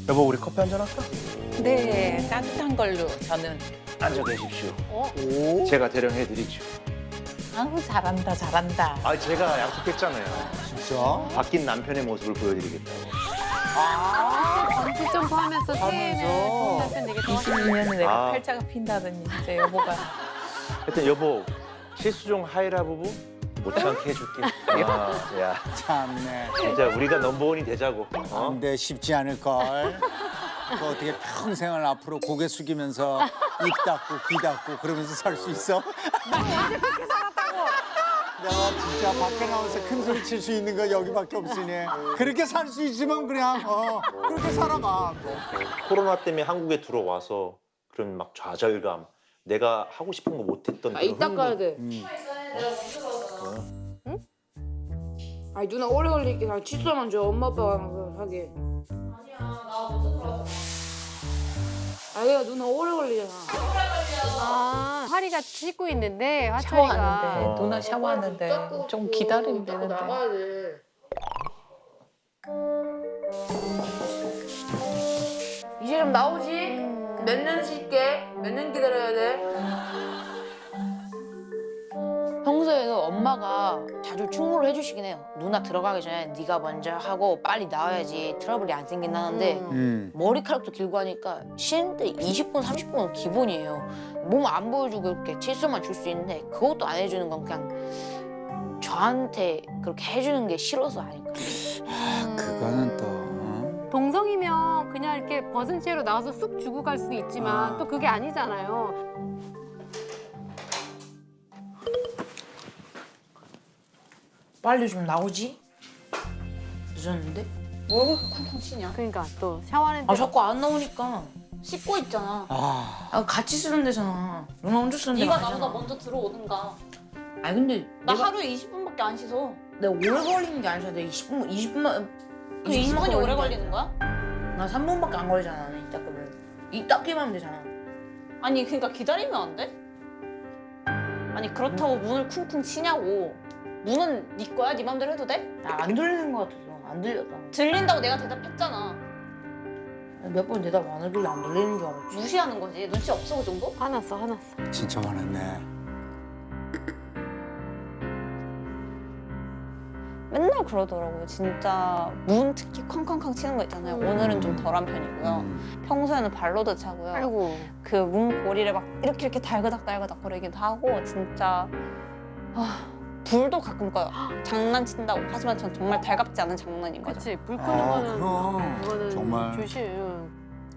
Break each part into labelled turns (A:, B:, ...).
A: 여보, 우리 커피 한잔 할까?
B: 네, 따뜻한 걸로 저는.
A: 앉아 계십시오.
C: 오.
A: 제가 대령해드리죠.
B: 아우 잘한다 잘한다.
A: 아, 제가 약속했잖아요.
C: 진짜?
A: 바뀐 남편의 모습을 보여드리겠다고.
D: 번지 점프하면서 새해에는 좋은 남편 되겠다.
B: 22년에 내가
A: 아.
B: 팔자가 핀다더니 이제 여보가.
A: 하여튼 여보, 실수종 하이라 부부 못 참게 해줄게. 아, 야,
C: 참네.
A: 진짜 우리가 넘버원이 되자고. 어?
C: 근데 쉽지 않을걸. 그 어떻게 평생을 앞으로 고개 숙이면서 입 닫고 귀 닫고 그러면서 살 수 있어? 내가 진짜 밖에 나와서 큰 소리 칠 수 있는 거 여기밖에 없으니 그렇게 살 수 있으면 그냥 그렇게 살아봐.
A: 코로나 때문에 한국에 들어와서 그런 막 좌절감, 내가 하고 싶은 거 못했던 그런
E: 이따 가야 돼. 아니 누나 오래 걸리게 그냥 칫솔만 줘. 엄마 아빠가 하게. 아니야 나 먼저 들어가. 아니야 누나 오래 걸리잖아.
D: 아, 하리가 씻고 있는데 화철이가
B: 샤워하는데 누나 샤워하는데 좀 기다리면 되는데.
E: 나가야 돼. 이제 좀 나오지? 몇 년 쉴게? 몇 년 기다려야 돼?
F: 평소에도 엄마가 자주 충고를 해주시긴 해요. 누나 들어가기 전에 네가 먼저 하고 빨리 나와야지 트러블이 안 생긴다는데 머리카락도 길고 하니까 쉬는데 20분, 30분은 기본이에요. 몸 안 보여주고 이렇게 칠수만 줄 수 있는데 그것도 안 해주는 건 그냥 저한테 그렇게 해주는 게 싫어서 아닐까.
C: 그거는 또.
D: 동성이면 그냥 이렇게 벗은 채로 나와서 쑥 주고 갈 수도 있지만 또 그게 아니잖아요.
F: 빨리 좀 나오지? 늦었는데?
E: 뭐 그렇게 쿵쿵 치냐?
D: 그러니까 또 샤워하는데
F: 아 자꾸 안 나오니까.
E: 씻고 있잖아.
F: 아 같이 쓰는 데잖아. 누나 혼자 쓰는 데
E: 네가
F: 아니잖아.
E: 나보다 먼저 들어오든가.
F: 아니 근데
E: 나
F: 내가,
E: 하루에 20분밖에 안 씻어.
F: 내가 오래 걸리는 게 아니라 내가 20분만
E: 그 20분이 오래 걸리는 거야?
F: 나 3분밖에 안 걸리잖아. 나는 이 닦으면. 이 닦기만 하면 되잖아.
E: 아니 그러니까 기다리면 안 돼? 아니 그렇다고 문을 쿵쿵 치냐고. 문은 네 거야? 네 맘대로 해도 돼?
F: 나 안 들리는 것 같아서 안 들렸다.
E: 들린다고 내가 대답했잖아.
F: 몇 번 대답 안 하길래 안 들리는 줄 알았지.
E: 무시하는 거지. 눈치 없어 그 정도?
D: 화났어 화났어.
C: 진짜 화났네.
G: 맨날 그러더라고요. 진짜 문 특히 쾅쾅쾅 치는 거 있잖아요. 오늘은 좀 덜한 편이고요. 평소에는 발로도 차고요.
D: 아이고.
G: 그 문 고리를 막 이렇게 달그닥 거리기도 하고 진짜 불도 가끔 꺼요. 장난친다고. 하지만 전 정말 달갑지 않은 장난인 거죠.
D: 그렇지 불 끄는 거는
C: 그럼.
D: 그거는
C: 정말.
D: 조심.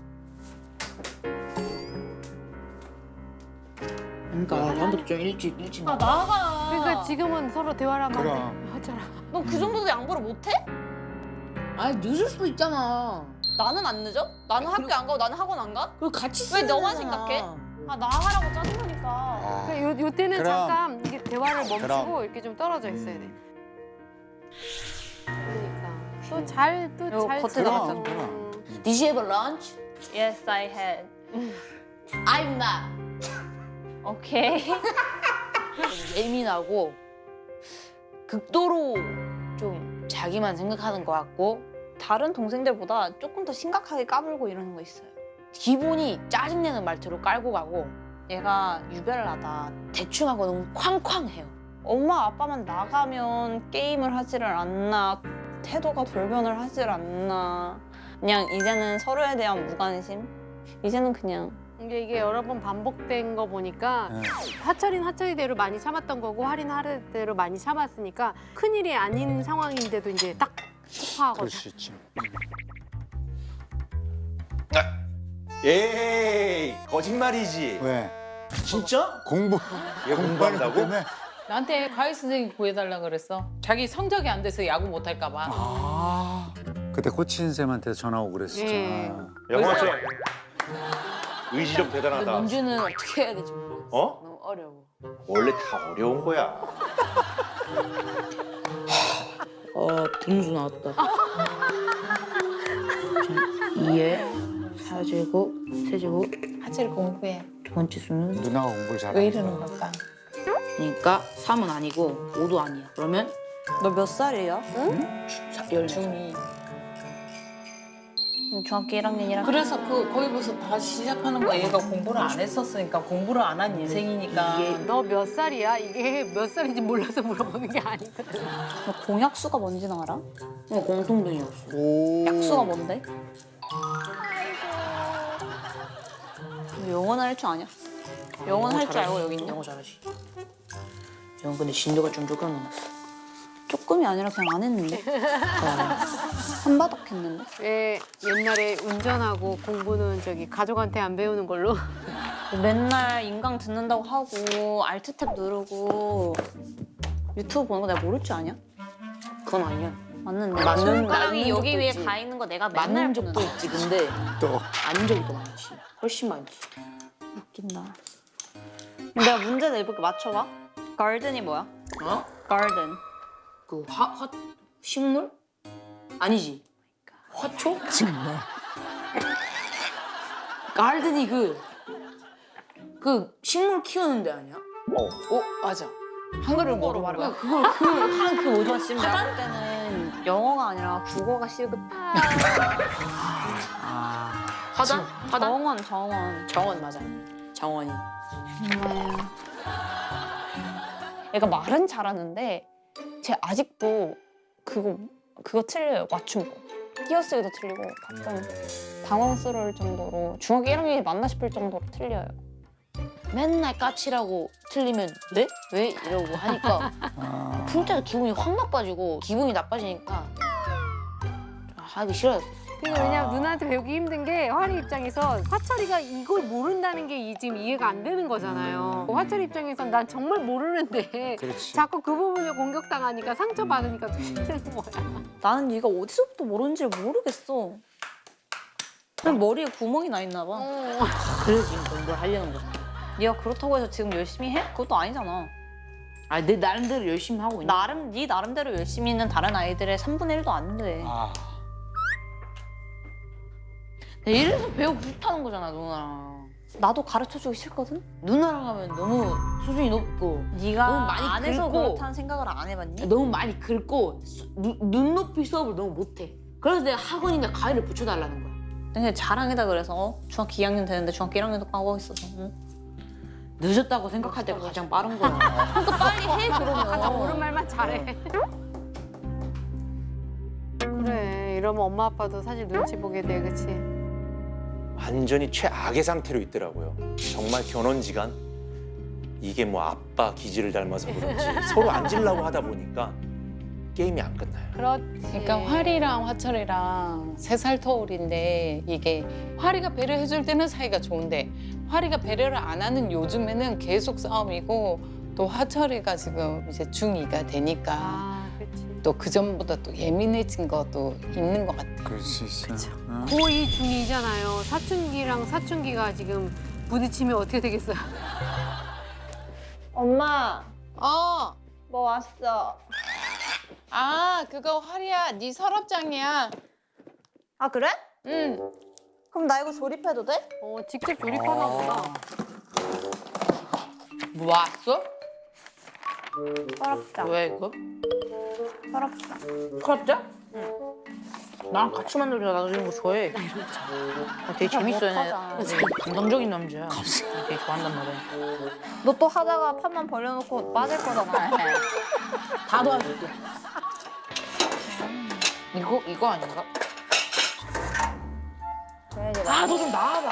F: 그러니까 다음부터 좀 일찍
E: 아 나가.
D: 그러니까 지금은 서로 대화를 하면 안
C: 그럼.
D: 돼. 하철아.
E: 너 그 정도도 양보를 못해?
F: 아니 늦을 수도 있잖아.
E: 나는 안 늦어? 나는 학교 안 가고 나는 학원 안 가?
F: 그리고 같이
E: 왜
F: 쓰는
E: 너만
F: 데잖아.
E: 생각해? 아 나가라고 짜증나니까.
C: 아,
D: 그러니까 요 때는
C: 그럼.
D: 잠깐 이게 대화를 멈추고
C: 그럼.
D: 이렇게 좀 떨어져 있어야 돼. 그러니까 또 잘
G: 겉에 나갔잖아.
F: Did you have a lunch?
G: Yes, I had.
F: I'm not.
G: Okay.
F: 예민하고 극도로 좀 자기만 생각하는 것 같고
G: 다른 동생들보다 조금 더 심각하게 까불고 이러는 거 있어요.
F: 기본이 짜증내는 말투로 깔고 가고
G: 얘가 유별나다.
F: 대충 하고 너무 쾅쾅해요.
G: 엄마 아빠만 나가면 게임을 하지를 않나, 태도가 돌변을 하질 않나. 그냥 이제는 서로에 대한 무관심? 이제는 그냥
D: 이게 여러 번 반복된 거 보니까 하철이는 하철이대로 많이 참았던 거고 하리는 하리대로 많이 참았으니까 큰일이 아닌 상황인데도 이제 딱
C: 그럴
D: 폭파하거든.
C: 수 있지.
A: 에이, 거짓말이지.
C: 왜?
A: 진짜?
C: 공부.
A: 얘 공부한다고?
C: 때문에?
B: 나한테 과외 선생님 구해달라 그랬어. 자기 성적이 안 돼서 야구 못할까 봐.
C: 아, 그때 코치인 쌤한테 전화 오고 그랬었잖아.
A: 영화처 의지 좀
F: 근데
A: 대단하다.
F: 문제는 어떻게 해야 될지 모르겠어.
A: 어?
F: 너무 어려워.
A: 원래 다 어려운 거야.
F: 등수 나왔다. 2에 4제곱, 세제곱,
B: 하체를 공부해.
F: 두 번째 수는
C: 누나가 공부를 잘하니까.
B: 왜 이러는 걸까?
F: 그러니까 3은 아니고 5도 아니야. 그러면
G: 너 몇 살이야?
F: 열
B: 중이.
G: 중학교 1학년이라.
B: 그래서 거기서 다시 시작하는 거야. 얘가 공부를 안 했었으니까 공부를 안 한 인생이니까.
D: 너 몇 살이야? 이게 몇 살인지 몰라서 물어보는 게 아니거든.
G: 너 공약수가 뭔지는 알아?
F: 공통분이었어.
C: 오.
G: 약수가 뭔데? 너 영어는 할 줄 아냐? 영어는 할 줄 알고 여기 있냐?
F: 영어 잘하지. 영어 근데 진도가 좀 조금 넘었어.
G: 조금이 아니라 그냥 안 했는데? 한바닥 했는데?
D: 왜 옛날에 운전하고 공부는 저기 가족한테 안 배우는 걸로?
G: 맨날 인강 듣는다고 하고 알트탭 누르고 유튜브 보는 거 내가 모를 줄 아냐?
F: 그건 아니야.
G: 맞는데
F: 맞는
G: 손가락이 여기
F: 적도
G: 위에
F: 있지.
G: 가 있는 거 내가 맨날
F: 맞는 적도
G: 보는
F: 있지. 근데
C: 또.
F: 아닌 적이 더 많지. 훨씬 많지.
G: 웃긴다. 내가 문제 내볼게. 맞춰봐. garden이 뭐야?
F: 어?
G: garden.
F: 그 식물? 아니지. 화초?
C: 정말.
F: 가든이 그 식물 키우는 데 아니야?
B: 맞아. 한글을 모르고 말해.
G: 그 뭐죠? 지금 내가 볼 때는 영어가 아니라 국어가 시급.
F: 화단?
G: 정원.
F: 정원 맞아. 정원이.
G: 얘가 말은 잘하는데 쟤 아직도 그거 틀려요. 맞춤 거. 띄어쓰기도 틀리고 가끔 당황스러울 정도로 중학교 1학년이 맞나 싶을 정도로 틀려요.
F: 맨날 까칠하고 틀리면 네? 왜? 이러고 하니까
C: 아.
F: 풀 때도 기분이 확 나빠지고 기분이 나빠지니까 하기 싫어졌어.
D: 근데 왜냐면 누나한테 배우기 힘든 게 화리 입장에서 화철이가 이걸 모른다는 게 지금 이해가 안 되는 거잖아요. 화철이 입장에선 난 정말 모르는데
C: 그렇지.
D: 자꾸 그 부분을 공격당하니까 상처받으니까 더 힘든 거야.
G: 나는 얘가 어디서부터 모르는지를 모르겠어. 그냥 머리에 구멍이 나 있나 봐.
F: 그래서 지금 공부를 하려는 거지.
G: 네가 그렇다고 해서 지금 열심히 해? 그것도 아니잖아.
F: 아, 내 나름대로 열심히 하고 있는 거야.
G: 네 나름대로 열심히 있는 다른 아이들의 3분의 1도 안 돼.
C: 아.
F: 이래서 배우고 싶다는 거잖아, 누나랑.
G: 나도 가르쳐주기 싫거든?
F: 누나랑 하면 너무 수준이 높고
G: 네가
F: 너무 많이
G: 안 해서
F: 긁고.
G: 그렇다는 생각을 안 해봤니?
F: 너무 많이 긁고 눈높이 수업을 너무 못해. 그래서 내가 학원이나 과외를 붙여달라는 거야.
G: 근데 자랑이다 그래서 중학교 2학년 되는데 중학교 1학년도 까고 있어서
F: 늦었다고 생각할 때가 가장 빠른 거야.
G: 그러니까 빨리 해 그러면.
D: 가장 옳은 말만 잘해. 그래 이러면 엄마 아빠도 사실 눈치 보게 돼, 그치?
A: 완전히 최악의 상태로 있더라고요. 정말 견원지간 이게 뭐 아빠 기질을 닮아서 그런지 서로 앉으려고 하다 보니까 게임이 안 끝나요.
D: 그렇지.
B: 그러니까 화리랑 화철이랑 3살 터울인데 이게 화리가 배려해줄 때는 사이가 좋은데 화리가 배려를 안 하는 요즘에는 계속 싸움이고 또 화철이가 지금 이제 중2가 되니까
D: 아, 그치.
B: 또 그전보다 또 예민해진 것도 있는 것 같아.
C: 그렇지. 그렇죠.
D: 고2 중2잖아요. 사춘기랑 사춘기가 지금 부딪히면 어떻게 되겠어요?
G: 엄마
B: 어,
G: 뭐 왔어?
B: 아 그거 화리야, 네 서랍장이야.
G: 아 그래?
B: 응.
G: 그럼 나 이거 조립해도 돼?
D: 직접 조립하나 보다.
B: 뭐 왔어?
G: 서랍장.
B: 왜 이거?
G: 서랍장.
F: 서랍장? 응. 나랑 같이 만들자. 나도 이런 거 좋아해. 되게 재밌어. 얘네.
G: 못하잖아.
F: 되게 감성적인 남자야. 되게 좋아한단 말이야.
G: 너 또 하다가 판만 벌려놓고 빠질 거잖아.
F: 다 도와줄게. 이거 아닌가? 아, 너 좀 나와봐.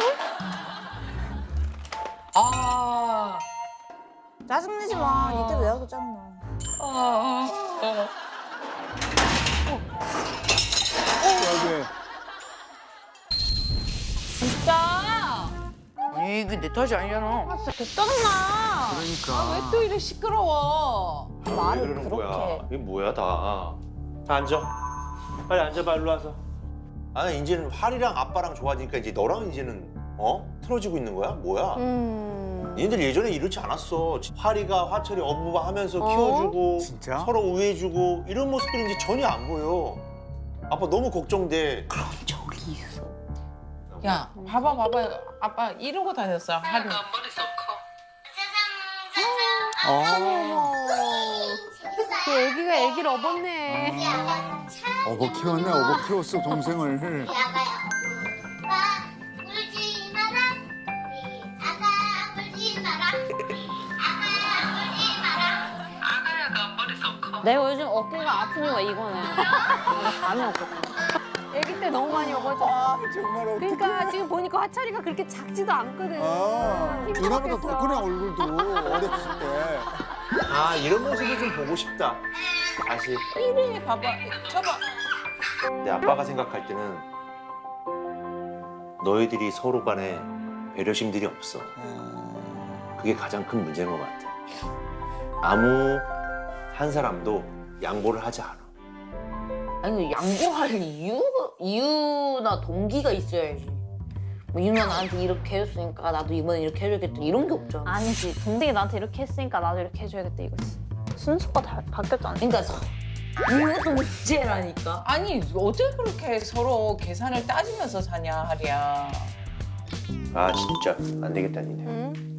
B: 아,
G: 짜증내지 마. 이때 내가 더 짜증나.
C: 왜?
B: 진짜.
F: 아니, 이게 내 탓이 아니잖아.
G: 진짜 개 짜증나.
C: 그러니까.
B: 왜 또 이래 시끄러워?
G: 말을
A: 왜 그러는 거야?
G: 그렇게.
A: 이게 뭐야 다. 자 앉아. 빨리 앉아봐 일로 와서. 아 이제는 활이랑 아빠랑 좋아지니까 이제 너랑 이제는 틀어지고 있는 거야? 뭐야? 니들 예전에 이렇지 않았어. 활이가 화철이 어부바하면서 키워주고
C: 진짜?
A: 서로 우애해주고 이런 모습들이 이제 전혀 안 보여. 아빠 너무 걱정돼.
F: 저기 있어.
B: 야, 봐봐. 아빠 이러고 다녔어. 하루.
D: 그 애기가 애기를 업었네.
C: 어버 키웠네. 어버 키웠어 동생을.
G: 내가 요즘 어깨가 아픈 이유가 이거네. 나 감이 없거든.
D: 아기 때 너무 많이 먹어서.
C: 아 정말 어떡해.
D: 그러니까 지금 보니까 화철이가 그렇게 작지도 않거든.
C: 아, 누나보다 더 크네 얼굴도 어렸을 때.
A: 아 이런 모습을 좀 보고 싶다. 다시.
B: 이래 봐봐. 쳐봐.
A: 내 아빠가 생각할 때는 너희들이 서로 간에 배려심들이 없어. 그게 가장 큰 문제인 것 같아. 아무 한 사람도 양보를 하지 않아.
F: 아니 양보할 이유나 동기가 있어야지. 뭐 이 누나 나한테 이렇게 해줬으니까 나도 이번에 이렇게 해줘야겠다 이런 게 없잖아.
G: 아니지. 동생이 나한테 이렇게 했으니까 나도 이렇게 해줘야겠다 이거지. 순서가 바뀌었잖아.
F: 그러니까 이것도 문제라니까.
B: 아니 어떻게 그렇게 서로 계산을 따지면서 사냐 하리야.
A: 아 진짜 안 되겠다 니네.
D: 응?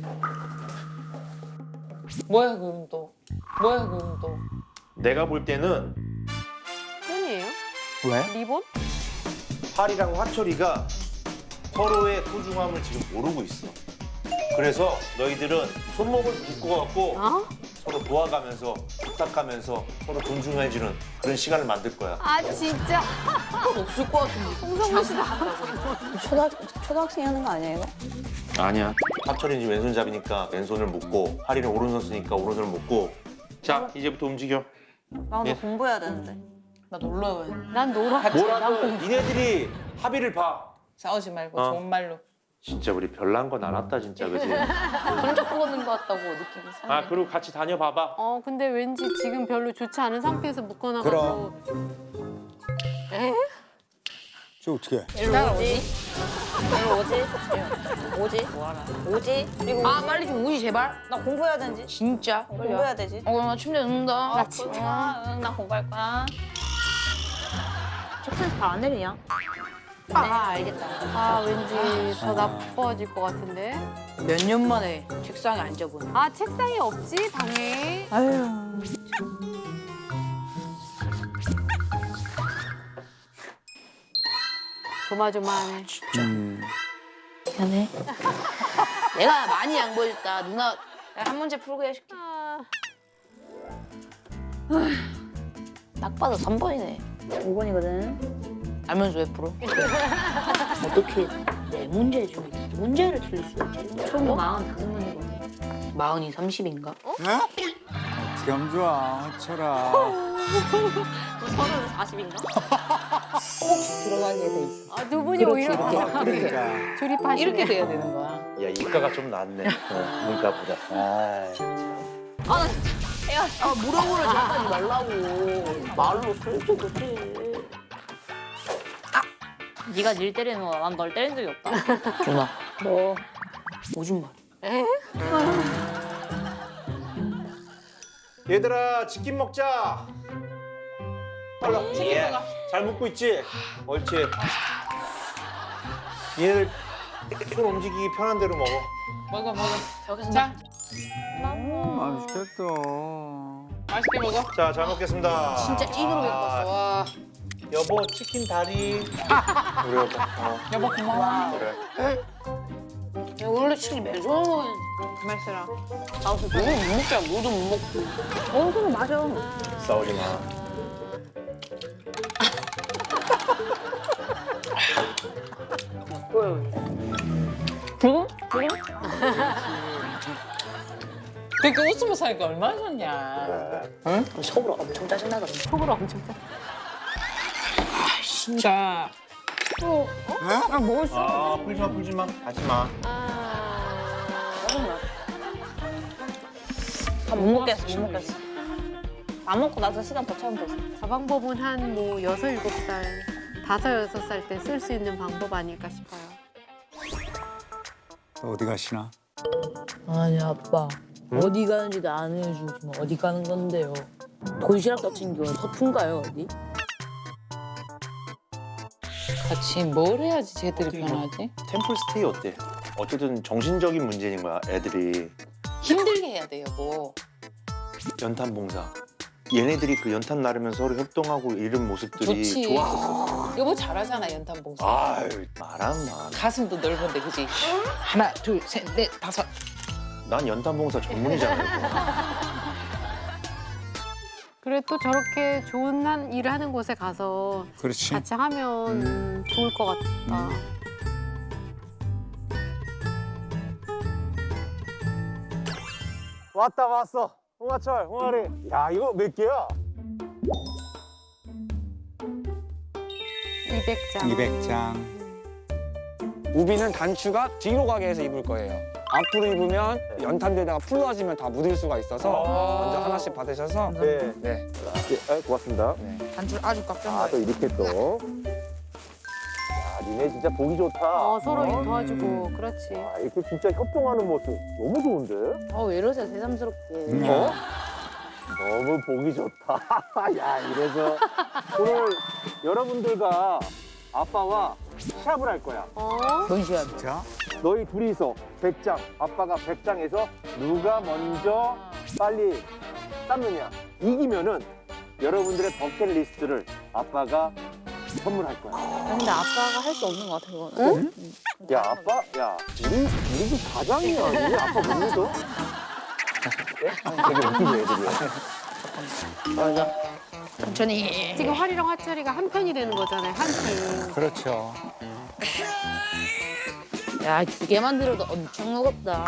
B: 뭐야 그럼 또. 뭐야 그럼 또.
A: 내가 볼 때는
D: 끈이에요?
C: 왜?
D: 리본?
A: 팔이랑 화철이가 서로의 소중함을 지금 모르고 있어. 그래서 너희들은 손목을 묶어갖고
D: 어?
A: 서로 도와가면서 부탁하면서 서로 존중해주는 그런 시간을 만들 거야.
D: 아 진짜
F: 그건 없을 것 같은데.
D: 홍성훈 씨다.
G: 초등학생이 하는 거 아니에요 이거?
A: 아니야. 화철이는 지금 왼손잡이니까 왼손을 묶고 팔이는 오른손 쓰니까 오른손을 묶고. 자 이제부터 움직여.
G: 나 오늘
A: 예.
G: 공부해야 되는데.
B: 나 놀러 와야 돼.
D: 난 놀아.
A: 뭐라도 니네들이 합의를 봐.
B: 싸우지 말고
A: 어.
B: 좋은 말로.
A: 진짜 우리 별난 건 안 왔다 진짜 그지?
F: 손잡고 걷는 것 같다고 느낌이 사네.
A: 아 그리고 같이 다녀봐봐.
D: 근데 왠지 지금 별로 좋지 않은 상태에서 묶어놔가지고. 에?
C: 저 어떻게?
G: 일로 오지? 일로 오지? 오지? 뭐하나? 오지? 그리고
F: 아 빨리 좀 우지 제발.
G: 나 공부해야 되는지?
F: 진짜.
G: 공부해야 되지?
F: 나 침대 눕는다.
G: 나 진짜. 응, 나 공부할 거야. 책상에서 발 안 내리냐?
F: 아 알겠다.
D: 아 왠지 더 나빠질 것 같은데.
F: 몇 년 만에 책상에 앉아보네.
D: 아 책상이 없지 방에.
G: 아유.
D: 조마조마해.
F: 미안해. 내가 많이 양보해줬다. 누나 한 문제 풀고 해줄게.
D: 아,
F: 딱 봐도 3번이네.
G: 5번이거든.
F: 알면서 왜 풀어? 어떻게 내 문제 중에 두 문제를 틀릴 수 있지?
G: 총 45문이거든.
F: 40이 30인가?
C: 어떻게 하면 좋아 화철아.
G: 서른 40인가?
F: 들어가게 돼 있어.
D: 두 분이 오히려
C: 그러니까.
D: 조립하시네.
B: 이렇게 돼야 되는 거야.
A: 야 이과가 좀 낫네. 문과보다.
F: 아 뭐라고 그러지 하지 말라고. 말로 설득을 해.
G: 네가 닐 때리는 거야. 난 널 때린 적이 없다.
F: 누나
G: 뭐?
F: 오줌 말.
D: 에?
A: 얘들아 치킨 먹자. 빨라. 치킨 먹어. 잘 먹고 있지? 옳지. 얘들 손 움직이기 편한 대로 먹어.
B: 먹어 먹어.
F: 저기서
B: 자
C: 맛있겠다.
B: 맛있게 먹어.
A: 자 잘 먹겠습니다.
F: 진짜 찐으로 먹고 왔어. 와.
A: 여보 치킨 다리. 우리 여보.
B: 여보 고마워.
A: 그래.
F: 야, 원래 치킨 매주 먹어.
B: 가만 있어라.
F: 나도 너무 못 먹자. 뭐도 못 먹고.
G: 그거 맞아.
A: 싸우지 마.
G: 지금?
B: 그렇게 웃으면서 사니까 얼마나 좋냐.
A: 그래.
F: 속으로 엄청 짜증나거든.
D: 속으로 엄청 짜.
B: 자
G: 아, 먹을 수
A: 아 풀지 마. 하지 마.
G: 다 못 먹겠어, 못 먹겠어. 안 먹고 나서 시간 더 채우면 되지.
D: 저 방법은 한 뭐 6, 7살, 5, 6살 때 쓸 수 있는 방법 아닐까 싶어요.
C: 어디 가시나?
F: 아니 아빠 어디 가는지도 안 해주지만 어디 가는 건데요? 도시락 같은 경우 서푼가요 어디?
B: 같이 뭘 해야지 쟤들이 변하지?
A: 템플스테이 어때? 어쨌든 정신적인 문제인 거야 애들이.
B: 힘들게 해야 돼 여보.
A: 연탄 봉사. 얘네들이 그 연탄 나르면서 서로 협동하고 이런 모습들이
B: 좋지.
A: 좋아.
B: 여보 잘하잖아 연탄 봉사.
A: 아유 말안 마.
B: 가슴도 넓은데 그지? 하나 둘 셋 넷 다섯.
A: 난 연탄 봉사 전문이잖아.
D: 그래 또 저렇게 좋은 일을 하는 곳에 가서
C: 그렇지.
D: 같이 하면 좋을 것 같다.
H: 왔다 왔어. 홍하철, 홍아리. 야 이거 몇 개야?
D: 200장.
C: 200장.
I: 우비는 단추가 뒤로 가게 해서 입을 거예요. 앞으로 입으면 연탄대에다가 풀로 하시면 다 묻을 수가 있어서 먼저 하나씩 받으셔서
H: 네.
I: 네.
H: 네, 고맙습니다.
F: 단추를 아주 꽉
H: 아, 또 이렇게 또. 야, 니네 진짜 보기 좋다.
D: 서로 도와주고 그렇지.
H: 아, 이렇게 진짜 협동하는 모습 너무 좋은데?
F: 왜 이러세요 새삼스럽게.
H: 어? 너무 보기 좋다. 야, 이래서 오늘 여러분들과 아빠와 시합을 할 거야.
F: 뭔 시합?
C: 자,
H: 너희 둘이서 100장, 아빠가 100장에서 누가 먼저 빨리 쌓느냐. 이기면은 여러분들의 버킷리스트를 아빠가 선물할 거야.
F: 근데 아빠가 할 수 없는 것 같아 그거는.
H: 야, 아빠, 야, 우리 집 가장이야. 우리 아빠 못 믿어? 되게 웃기지, 애들이.
F: 맞아. 천천히.
D: 지금 활이랑 화철이가 한 편이 되는 거잖아요. 한 팀.
C: 그렇죠.
F: 야 2개 만들어도 엄청 무겁다.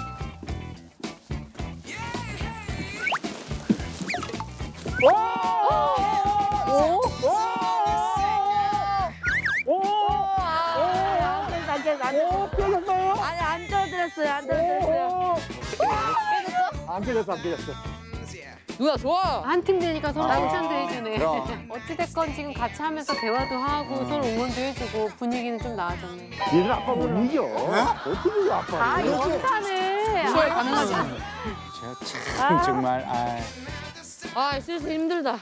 F: 아니 안 떨어뜨렸어요. 안 떨어뜨렸어요.
H: 안 깨졌어, 안 깨졌어.
F: 누나 좋아.
D: 한 팀 되니까 서로 칭찬도 해주네.
C: 그럼.
D: 어찌됐건 지금 같이 하면서 대화도 하고 서로 응원도 해주고 분위기는 좀 나아졌네.
H: 얘들 아빠 못 이겨. 어떻게 이겨, 아빠?
D: 아, 연타네.
F: 수월 가능하지.
C: 제가 참 정말
F: 아 슬슬 힘들다.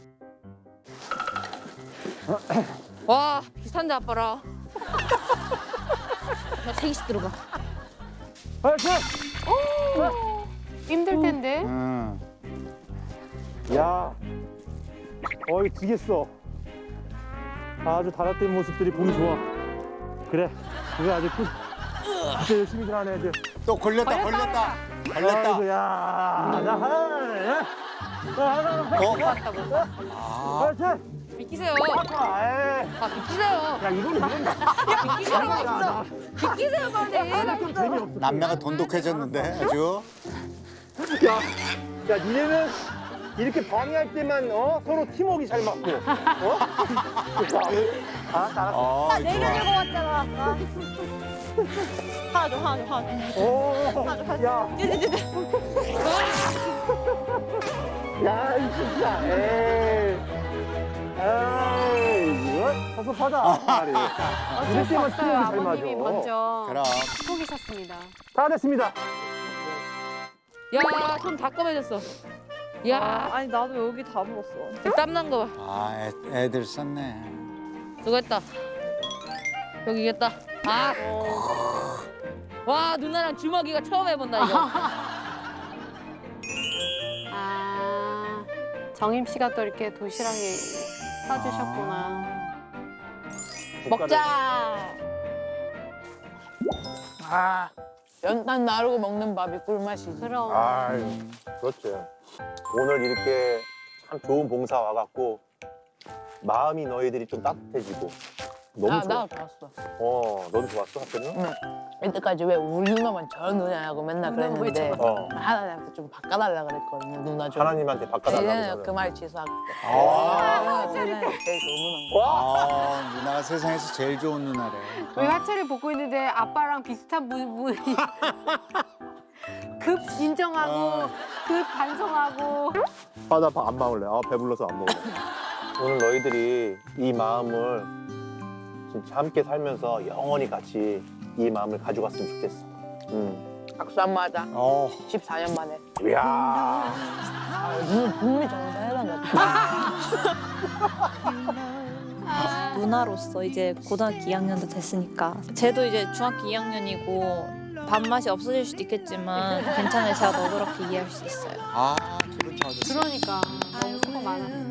F: 와 비슷한데 아빠랑. 나 3개씩 들어가.
H: 파이팅!
D: 힘들 텐데.
H: 야, 어이 지겠어. 아주 달아뜬 모습들이 보기 좋아. 그래, 그거 아주 진짜 열심히 하는 애들.
C: 또 걸렸다.
H: 아이고, 야, 나 하나. 파이팅!
F: 비키세요.
H: 아이,
F: 아 비키세요.
H: 야, 이거는
F: 비키세요. 비키세요 빨리.
H: 좀 재미없어.
C: 남매가 돈독해졌는데 아주.
H: 야, 니네는 이렇게 방해할 때만 서로 팀워크 잘 맞고, 알았어.
C: 아,
G: 내가 들고 왔잖아 아까. 하나 줘.
H: 야. 야, 이 진짜. 에이, 이거 섭섭하다. 말이.
D: 어쩔 수
H: 때만
D: 없어요.
H: 팀워크 잘
D: 아버님이
H: 맞아.
D: 먼저
C: 그럼.
D: 속이셨습니다.
H: 다 됐습니다.
F: 야 손 다 검해졌어. 야
G: 아니 나도 여기 다 물었어.
F: 땀난 거 봐.
C: 아, 애들 썼네.
F: 수고했다. 여기 이겼다. 아. 와 누나랑 주먹이가 처음 해본다 이거.
D: 아, 정임 씨가 또 이렇게 도시락에 싸주셨구나.
F: 먹자.
B: 아, 연탄 나르고 먹는 밥이 꿀맛이지.
D: 그럼.
H: 아유, 그렇지. 오늘 이렇게 참 좋은 봉사 와갖고 마음이 너희들이 좀 따뜻해지고 너무 좋아.
B: 나 좋았어.
H: 너도 좋았어, 하트는?
B: 이때까지 왜 우리 누나만 저 누나냐고 맨날
D: 누나가 왜
B: 그랬는데
H: 어.
B: 하나님한테 좀 바꿔달라 그랬거든요. 누나 좀.
H: 하나님한테 바꿔달라고.
B: 이제는
H: 저는.
B: 그 말 취소하고.
C: 아,
B: 제일 좋은 누나.
C: 아, 누나가 세상에서 제일 좋은 누나래.
D: 우리 화철이 보고 있는데 아빠랑 비슷한 분이 급 인정하고 급 반성하고.
H: 아, 나 안 먹을래. 아, 배불러서 안 먹을래. 오늘 너희들이 이 마음을 진짜 함께 살면서 영원히 같이 이 마음을 가져갔으면 좋겠어.
B: 박수 한번 하자. 14년 만에.
H: 이야.
B: 눈이 정말 해달라.
G: 누나로서 이제 고등학교 2학년도 됐으니까 쟤도 이제 중학교 2학년이고 밥맛이 없어질 수도 있겠지만 괜찮아요. 제가 너그럽게 이해할 수 있어요.
C: 아, 기분 좋아졌어.
D: 그러니까 너무 수고 많았어.